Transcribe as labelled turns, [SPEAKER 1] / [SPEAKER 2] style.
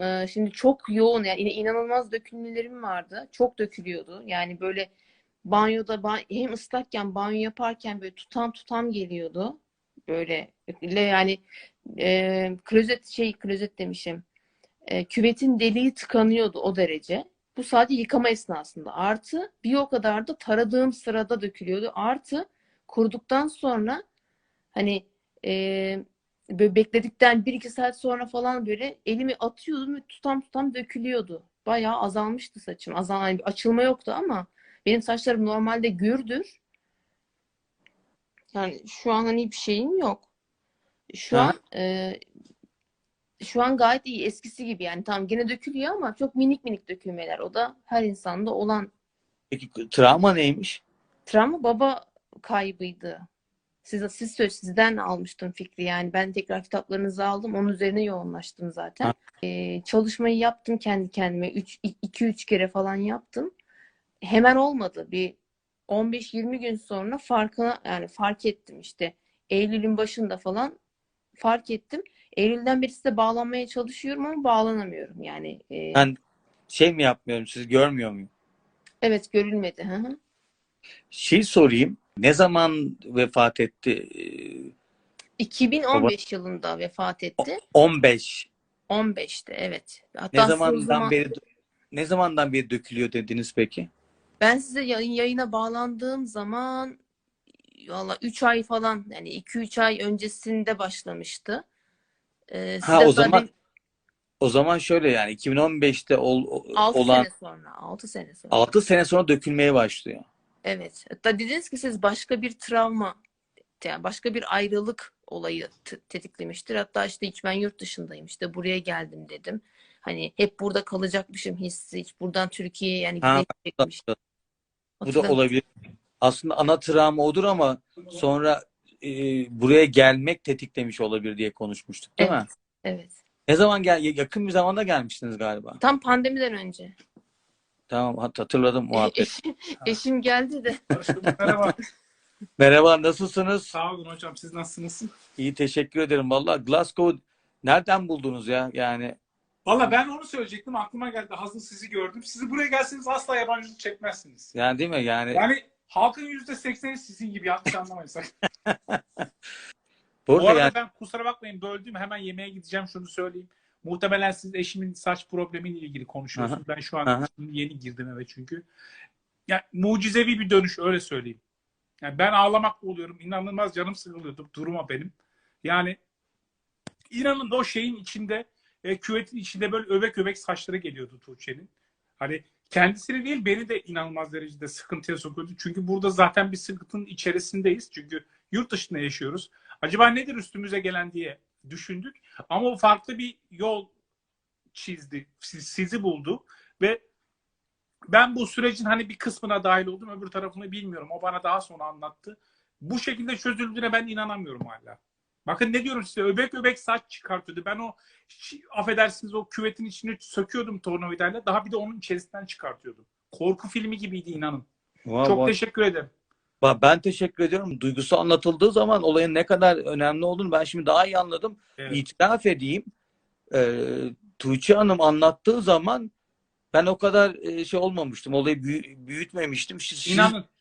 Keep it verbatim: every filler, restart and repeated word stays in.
[SPEAKER 1] e, şimdi çok yoğun yani yine inanılmaz dökülmelerim vardı. Çok dökülüyordu. Yani böyle banyoda ba- hem ıslakken banyo yaparken böyle tutam tutam geliyordu. Böyle le- yani e, klozet şey klozet demişim. E, küvetin deliği tıkanıyordu o derece. Bu sadece yıkama esnasında. Artı bir o kadar da taradığım sırada dökülüyordu. Artı kuruduktan sonra hani e, böyle bekledikten bir iki saat sonra falan böyle elimi atıyordum ve tutam tutam dökülüyordu. Bayağı azalmıştı saçım. Azal, yani bir açılma yoktu ama benim saçlarım normalde gürdür. Yani şu an hani bir şeyim yok. Şu
[SPEAKER 2] Aha.
[SPEAKER 1] an e, şu an gayet iyi. Eskisi gibi yani. Tamam gene dökülüyor ama çok minik minik dökülmeler. O da her insanda olan
[SPEAKER 2] Peki travma neymiş?
[SPEAKER 1] travma baba kaybıydı. Siz, siz söz sizden almıştım fikri yani ben tekrar kitaplarınızı aldım onun üzerine yoğunlaştım
[SPEAKER 2] Ha,
[SPEAKER 1] zaten. Ee, çalışmayı yaptım kendi kendime iki üç kere falan yaptım. Hemen olmadı bir on beş yirmi gün sonra farkına yani fark ettim işte Eylül'ün başında falan fark ettim. Eylül'den beri size bağlanmaya çalışıyorum ama bağlanamıyorum yani. E,
[SPEAKER 2] ben şey mi yapmıyorum, siz görmüyor muyum?
[SPEAKER 1] evet görülmedi. Hı hı.
[SPEAKER 2] Şey sorayım. Ne zaman vefat etti? Ee, baba
[SPEAKER 1] iki bin on beş yılında vefat
[SPEAKER 2] O-
[SPEAKER 1] etti.
[SPEAKER 2] on beş.
[SPEAKER 1] on beşte evet.
[SPEAKER 2] Ne
[SPEAKER 1] Hatta size o
[SPEAKER 2] zamandan
[SPEAKER 1] zaman
[SPEAKER 2] beri ne zamandan beri dökülüyor dediniz peki?
[SPEAKER 1] ben size yayın, yayına bağlandığım zaman valla üç ay falan yani iki üç ay öncesinde başlamıştı. Ee,
[SPEAKER 2] Ha
[SPEAKER 1] size
[SPEAKER 2] o zaman
[SPEAKER 1] zaten
[SPEAKER 2] o zaman şöyle yani iki bin on beşte ol-
[SPEAKER 1] altı
[SPEAKER 2] olan
[SPEAKER 1] sene sonra altı sene sonra.
[SPEAKER 2] altı sene sonra dökülmeye başlıyor.
[SPEAKER 1] Evet. Hatta dediniz ki siz başka bir travma yani başka bir ayrılık olayı t- tetiklemiştir. Hatta işte hiç ben yurt dışındayım işte buraya geldim dedim. Hani hep burada kalacakmışım hissi hiç buradan Türkiye'ye yani
[SPEAKER 2] Ha,
[SPEAKER 1] gidemeyecekmiş.
[SPEAKER 2] bu da
[SPEAKER 1] Hatırlamıyorum.
[SPEAKER 2] olabilir. Aslında ana travma odur ama sonra e, buraya gelmek tetiklemiş olabilir diye konuşmuştuk, değil
[SPEAKER 1] Evet.
[SPEAKER 2] mi?
[SPEAKER 1] Evet.
[SPEAKER 2] Ne zaman gel yakın bir zamanda gelmiştiniz galiba.
[SPEAKER 1] Tam pandemiden önce.
[SPEAKER 2] Tamam, hat- hatırladım
[SPEAKER 1] E-
[SPEAKER 2] muhabbet.
[SPEAKER 1] eşim, eşim geldi de.
[SPEAKER 3] Hoş bulduk. Merhaba.
[SPEAKER 2] Merhaba, nasılsınız?
[SPEAKER 3] Sağ olun hocam. Siz nasılsınız?
[SPEAKER 2] İyi, teşekkür ederim. Vallahi Glasgow nereden buldunuz ya? Yani
[SPEAKER 3] Valla ben onu söyleyecektim. Aklıma geldi. Hazır sizi gördüm. Sizi buraya gelseniz asla yabancılık çekmezsiniz.
[SPEAKER 2] yani değil mi? Yani
[SPEAKER 3] Yani halkın yüzde sekseni sizin gibi. Yanlış anlamayın sakın. Bu
[SPEAKER 2] burada yani
[SPEAKER 3] arada ben kusura bakmayın böldüm. Hemen yemeğe gideceğim. Şunu söyleyeyim. Muhtemelen siz eşimin saç problemiyle ilgili
[SPEAKER 2] aha,
[SPEAKER 3] konuşuyorsunuz. Ben şu an
[SPEAKER 2] aha.
[SPEAKER 3] şimdi yeni girdim eve çünkü. Yani mucizevi bir dönüş öyle söyleyeyim. Yani ben ağlamak oluyorum. İnanılmaz canım sıkılıyordu duruma benim. Yani İnanın o şeyin içinde e, küvetin içinde böyle öbek öbek saçları geliyordu Tuğçe'nin. Hani kendisini değil beni de inanılmaz derecede sıkıntıya sokuyordu. Çünkü burada zaten bir sıkıntının içerisindeyiz. Çünkü yurt dışında yaşıyoruz. Acaba nedir üstümüze gelen diye düşündük. Ama o farklı bir yol çizdi. Sizi buldu ve ben bu sürecin hani bir kısmına dahil oldum. Öbür tarafını bilmiyorum. O bana daha sonra anlattı. Bu şekilde çözüldüğüne ben inanamıyorum hala. Bakın ne diyorum size, öbek öbek saç çıkartıyordu. Ben o affedersiniz o küvetin içini söküyordum tornavidayla. Daha bir de onun içerisinden çıkartıyordum. Korku filmi gibiydi inanın.
[SPEAKER 2] Vay
[SPEAKER 3] Çok
[SPEAKER 2] vay.
[SPEAKER 3] teşekkür ederim.
[SPEAKER 2] Ba- Ben teşekkür ediyorum. Duygusu anlatıldığı zaman olayın ne kadar önemli olduğunu ben şimdi daha iyi anladım.
[SPEAKER 3] Evet.
[SPEAKER 2] İtiraf edeyim. Ee, Tuğçe Hanım anlattığı zaman ben o kadar e, şey olmamıştım. Olayı büyü- büyütmemiştim. Siz, siz
[SPEAKER 3] İnanın